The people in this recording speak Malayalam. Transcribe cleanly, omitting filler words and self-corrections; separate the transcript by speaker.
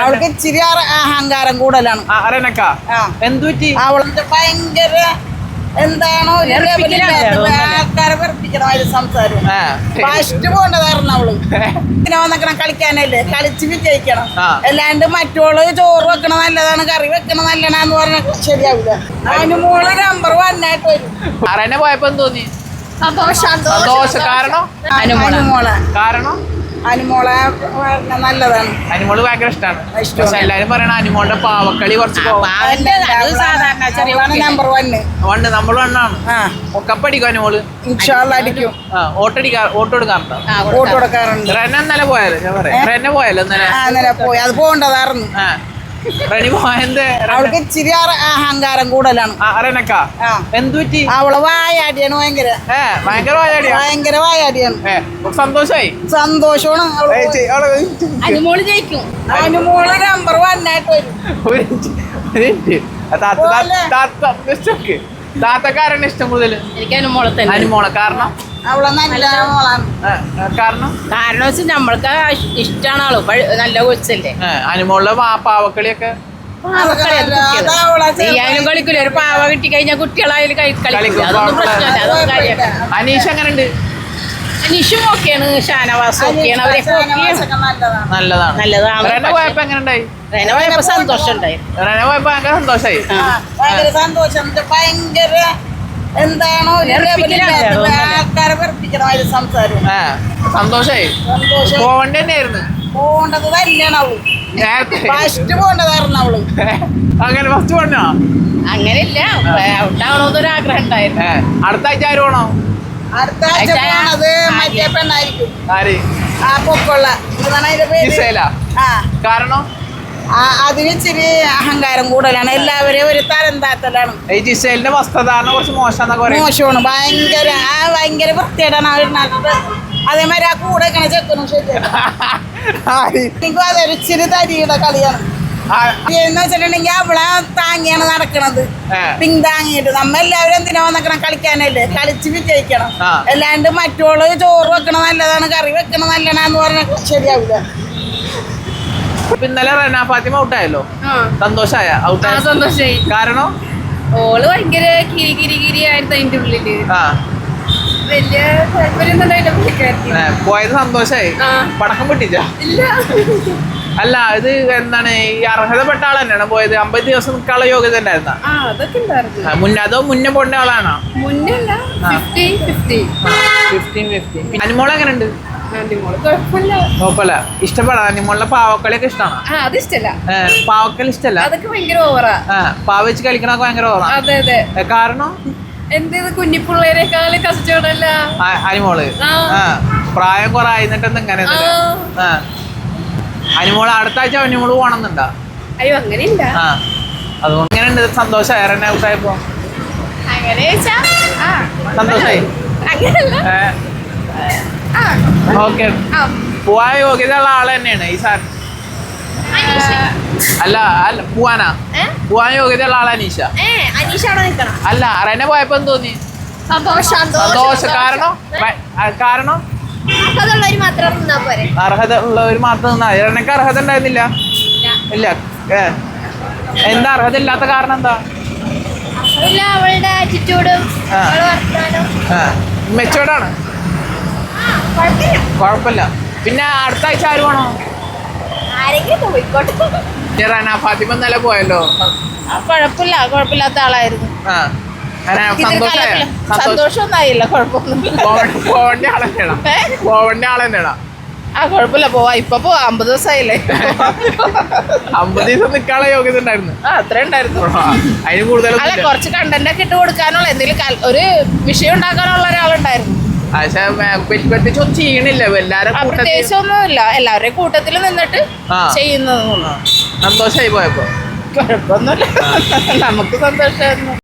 Speaker 1: അവൾക്ക് ഇച്ചിരി അഹങ്കാരം കൂടുതലാണ്.
Speaker 2: എന്തുപറ്റി?
Speaker 1: അവളെ ഭയങ്കര എന്താണോ ആൾക്കാരെ വെറുപ്പിക്കണ സംസാരം. ഫസ്റ്റ് പോകേണ്ടതായിരുന്നു അവള്. പിന്നെ വന്നിക്കണം കളിക്കാനല്ലേ, കളിച്ച് വിജയിക്കണം. അല്ലാണ്ട് മറ്റോള് ചോറ് വെക്കണ നല്ലതാണ്, കറി വെക്കണ നല്ലതാന്ന് പറഞ്ഞ ശരിയാവില്ല. അവന് മോള് നമ്പർ 1 ആയിട്ട് വരും.
Speaker 2: പോയപ്പോ തോന്നി സന്തോഷം. കാരണം
Speaker 1: അനുമോളെ നല്ലതാണ്.
Speaker 2: അനുമോള് ഭയങ്കര ഇഷ്ടമാണ്. പക്ഷെ എല്ലാരും പറയണ അനുമോളുടെ പാവക്കളി കുറച്ച്
Speaker 1: നമ്പർ 1
Speaker 2: നമ്മൾ വണ്ണാണ്. കപ്പടിക്കും അനുമോള്.
Speaker 1: അടിക്കും.
Speaker 2: ഓട്ടോ കൊടുക്കാറുണ്ടോ?
Speaker 1: ഓട്ടോ കൊടുക്കാറുണ്ട്.
Speaker 2: റെന ഇന്നലെ പോയാലോ? ഞാൻ പറയാം റെന പോയാലോ
Speaker 1: ഇന്നലെ പോയി. അത് പോകേണ്ടതായിരുന്നു. അവൾക്ക് ഇച്ചിരി അഹങ്കാരം കൂടുതലാണ്.
Speaker 2: എന്തുപറ്റി?
Speaker 1: അവളെ വായാടിയാണ്. ഭയങ്കര വായാടിയാണ്.
Speaker 2: സന്തോഷായി.
Speaker 1: സന്തോഷമാണ്. അനുമോള് ജയിക്കും. അനുമോള് നമ്പർ 1 ആയിട്ട് വരും.
Speaker 2: താത്തക്കാരാണ് ഇഷ്ടം കൂടുതൽ?
Speaker 3: എനിക്ക് അനുമോളെ തന്നെ.
Speaker 2: അനുമോളെ കാരണം
Speaker 1: അവളെ നല്ല മോളാണ്.
Speaker 2: കാരണം
Speaker 3: വെച്ചാൽ നമ്മൾക്ക് ഇഷ്ടമാണ്. ആള് നല്ല കൊച്ചല്ലേ.
Speaker 2: അനുമോളുടെ പാവക്കളിയൊക്കെ
Speaker 3: ചെയ്യാനും കളിക്കൂല. ഒരു പാവ കിട്ടി കഴിഞ്ഞാൽ കുട്ടികളായാലും കളിക്കും. അതൊന്നും പ്രശ്നമല്ല. അതൊന്നും കാര്യമാണ്.
Speaker 2: അനീഷ് എങ്ങനെയുണ്ട്?
Speaker 3: അനീഷും ഓക്കെയാണ്. ഷാനവാസും ഓക്കെയാണ്. അവരൊക്കെ നല്ലതാണ്.
Speaker 2: റെന പോയപ്പോ എങ്ങനെയുണ്ടായി?
Speaker 3: റെന പോയപ്പോ സന്തോഷം ഉണ്ടായി.
Speaker 2: റെന പോയപ്പോ ഭയങ്കര സന്തോഷായി.
Speaker 1: ഭയങ്കര സന്തോഷം. ഭയങ്കര എന്താണോ ആൾക്കാരെ വെറുപ്പിക്കണ സംസാരം.
Speaker 2: സന്തോഷായി. പോവണ്ട തന്നെയായിരുന്നു.
Speaker 1: പോകേണ്ടത് തന്നെയാണ് അവള്. ഫസ്റ്റ് പോകേണ്ടതായിരുന്നു അവള്.
Speaker 2: അങ്ങനെ ഫസ്റ്റ് പോണോ?
Speaker 3: അങ്ങനെയില്ല, ഔട്ടാവണോന്നൊരു ആഗ്രഹം ഉണ്ടായിരുന്നു.
Speaker 2: അടുത്ത ആഴ്ച ആര് പോണോ?
Speaker 1: അടുത്ത ആഴ്ച പോണത് മറ്റേ പെണ്ണായിരിക്കും.
Speaker 2: ആര്?
Speaker 1: ആ പൊക്കുള്ള
Speaker 2: കാരണം
Speaker 1: അതിന് ഇച്ചിരി അഹങ്കാരം കൂടുതലാണ്. എല്ലാവരെയും ഒരു തരം താത്തലാണ്.
Speaker 2: ഈ ജിസേലിന്റെ വസ്ത്രധാരണം കുറച്ച്
Speaker 1: മോശമാണ്. ഭയങ്കര വൃത്തിയായിട്ടാണ് അവരുണ്ടാക്കുന്നത്. അതേമാതിരി ആ കൂടെ ചെക്കനും ശരിയാണ്. അതൊരു ഇച്ചിരി തരിയുടെ കളിയാണ്. എന്ന് വെച്ചിട്ടുണ്ടെങ്കിൽ അവളെ താങ്ങിയാണ് നടക്കണത്. പിന്താങ്ങിയിട്ട് നമ്മെല്ലാവരും എന്തിനാ വന്നിക്കണം? കളിക്കാനല്ലേ, കളിച്ച് വിജയിക്കണം. അല്ലാണ്ട് മറ്റോള് ചോറ് വെക്കണ നല്ലതാണ്, കറി വെക്കണ നല്ലതാന്ന് പറഞ്ഞ ശരിയാവില്ല.
Speaker 2: ഇന്നലെ റെന ഫാത്തിമ ഔട്ടായല്ലോ. സന്തോഷായ?
Speaker 3: സന്തോഷായി.
Speaker 2: കാരണം
Speaker 3: ഓള് ഭയങ്കര കിരി ആയിരുന്നു അതിന്റെ ഉള്ളില്. വലിയ താല്പര്യം
Speaker 2: പോയത് സന്തോഷായി. പടക്കം പൊട്ടിച്ച?
Speaker 3: ഇല്ല.
Speaker 2: അല്ല, ഇത് എന്താണ് ഈ അർഹതപ്പെട്ട ആൾ തന്നെയാണ് പോയത്? 50 ദിവസം നിൽക്കാനുള്ള യോഗ്യത ഉണ്ടായിരുന്ന? അതോ മുന്നേ പോണ്ട ആളാണോ? അനുമോൾ എങ്ങനെയുണ്ട്? കുഴപ്പമില്ല. ഇഷ്ടപ്പെടാ? അനുമോളുടെ പാവക്കളിയൊക്കെ ഇഷ്ടമാണോ? പാവക്കളി ഇഷ്ടല്ല. പാവ വെച്ച് കളിക്കണൊക്കെ ഭയങ്കര ഓവറാ. കാരണം
Speaker 3: എന്തേത് കുഞ്ഞിപ്പിള്ളേരെക്കാളും കഷ്ടമല്ല
Speaker 2: അനുമോള്. പ്രായം കുറെ ആയിരുന്നിട്ട് ഇങ്ങനെ അനുമോള് അടുത്ത ആഴ്ച അനുമോള് പോണെന്നുണ്ടാ?
Speaker 3: അയ്യോ അങ്ങനെയില്ല.
Speaker 2: അതുകൊണ്ട് എങ്ങനെയുണ്ട്? സന്തോഷമായി റെന ഔട്ടായപ്പോ? സന്തോഷായി. ഓക്കെ. പോവാൻ യോഗ്യത ഉള്ള ആള് തന്നെയാണ് ഈ സാർ? അല്ല പോവാനാ? പോവാൻ യോഗ്യത ഉള്ള ആള് അനീഷ? അല്ല, റെന പോയപ്പോ തോന്നി സന്തോഷം. കാരണം അർഹത ഉള്ളവര് മാത്രം നിന്നാ മതി. റെനക്ക് അർഹത ഉണ്ടായിരുന്നില്ല? ഇല്ല. എന്താ അർഹത ഇല്ലാത്ത കാരണം? എന്താ?
Speaker 3: അവളുടെ ആറ്റിറ്റ്യൂഡും
Speaker 2: മെച്ചോർഡാണ്. കുഴപ്പമില്ല. പിന്നെ അടുത്ത ആഴ്ച ആര് വേണോ? റെന ഫാത്തിമ ഇന്നലെ പോയല്ലോ.
Speaker 3: കുഴപ്പമില്ലാത്ത ആളായിരുന്നു.
Speaker 2: സന്തോഷമൊന്നായില്ല. പോവണ്ട ആളെന്നെയാണോ?
Speaker 3: കുഴപ്പമില്ല, പോവാ. ഇപ്പൊ 50 ദിവസമായില്ലേ?
Speaker 2: 50 ദിവസം നിൽക്കാനുള്ള യോഗ്യത ഉണ്ടായിരുന്നു.
Speaker 3: അത്ര ഉണ്ടായിരുന്നു.
Speaker 2: അതിന് കൂടുതൽ
Speaker 3: അല്ല, കുറച്ച് കണ്ടന്റ് ഒക്കെ ഇട്ട് കൊടുക്കാനുള്ള എന്തെങ്കിലും ഒരു വിഷയം ഉണ്ടാക്കാനുള്ള ഒരാളുണ്ടായിരുന്നു.
Speaker 2: പക്ഷെ പ്രത്യേകിച്ചൊന്നും ചെയ്യണില്ല.
Speaker 3: പ്രത്യേകിച്ചൊന്നുമില്ല. എല്ലാവരുടെയും കൂട്ടത്തിൽ നിന്നിട്ട് ചെയ്യുന്നത്.
Speaker 2: സന്തോഷമായി പോയപ്പോ?
Speaker 3: കുഴപ്പമൊന്നുമില്ല. നമുക്ക് സന്തോഷമായിരുന്നു.